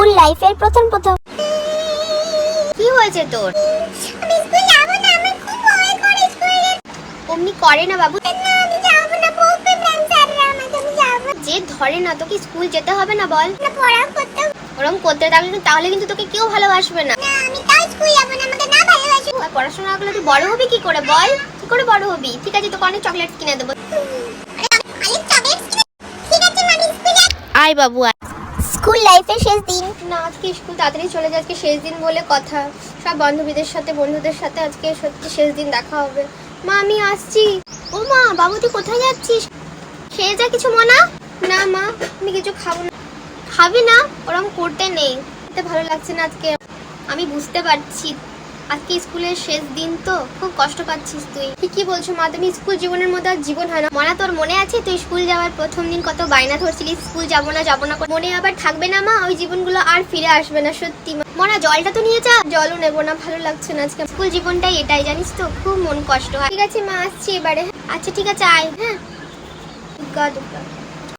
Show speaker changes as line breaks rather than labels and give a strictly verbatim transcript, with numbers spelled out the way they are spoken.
School লাইফের প্রথম প্রথম
কি হয়েছে তোর?
আমি স্কুল যাব না, আমার খুব ভয় করে স্কুলে।
অমনি করে না বাবু,
না আমি যাব না, বলবে ম্যাম স্যাররা আমাকে, আমি যাব
যে ধরে না তোকে স্কুল যেতে হবে না বল?
না, পড়া করতে।
ওরকম করতে থাকলে তাহলে কিন্তু তোকে কেউ ভালোবাসবে না।
না আমি তাই স্কুল যাব না, আমাকে না ভালোবাসে।
আর পড়াশোনা না করলে তুই বড় হবি কি করে বল? কি করে বড় হবি? ঠিক আছে তোকে অনেক চকলেট কিনে দেবো।
আরে চকলেট, ঠিক আছে আমি স্কুল যাব।
আয় বাবু আয়।
স্কুল লাইফের শেষ দিন।
না আজকে স্কুল তাড়াতাড়ি চলে যায়, আজকে শেষ দিন বলে কথা। সব বান্ধবীদের সাথে বন্ধুদের সাথে আজকে সত্যি শেষ দিন দেখা হবে। মা আমি আসছি। ও মা, বাবু তুই কোথায় যাচ্ছিস? খেয়ে যা কিছু মনা। না মা আমি কিছু খাবো না। খাবি না? ওরম করতে নেই, খেতে ভালো লাগছে না আজকে। আমি বুঝতে পারছি আজকে স্কুলের শেষ দিন তো খুব কষ্ট পাচ্ছিস তুই। ঠিকই বলছো মা, তুমি স্কুল জীবনের মধ্যে আর জীবন হয় না। মনা তোর মনে আছে তুই স্কুল যাওয়ার প্রথম দিন কত বায়না ধরছিলিস স্কুল যাবো না যাবো না করে? মনে আবার থাকবে না মা? ওই জীবনগুলো আর ফিরে আসবে না সত্যি মা। মনা জলটা তো নিয়ে যা। জলও নেবো না, ভালো লাগছে না আজকে। স্কুল জীবনটাই এটাই জানিস তো, খুব মন কষ্ট হয়। ঠিক আছে মা আসছি এবারে। আচ্ছা ঠিক আছে আয়। হ্যাঁ দুর্গা দুর্গা।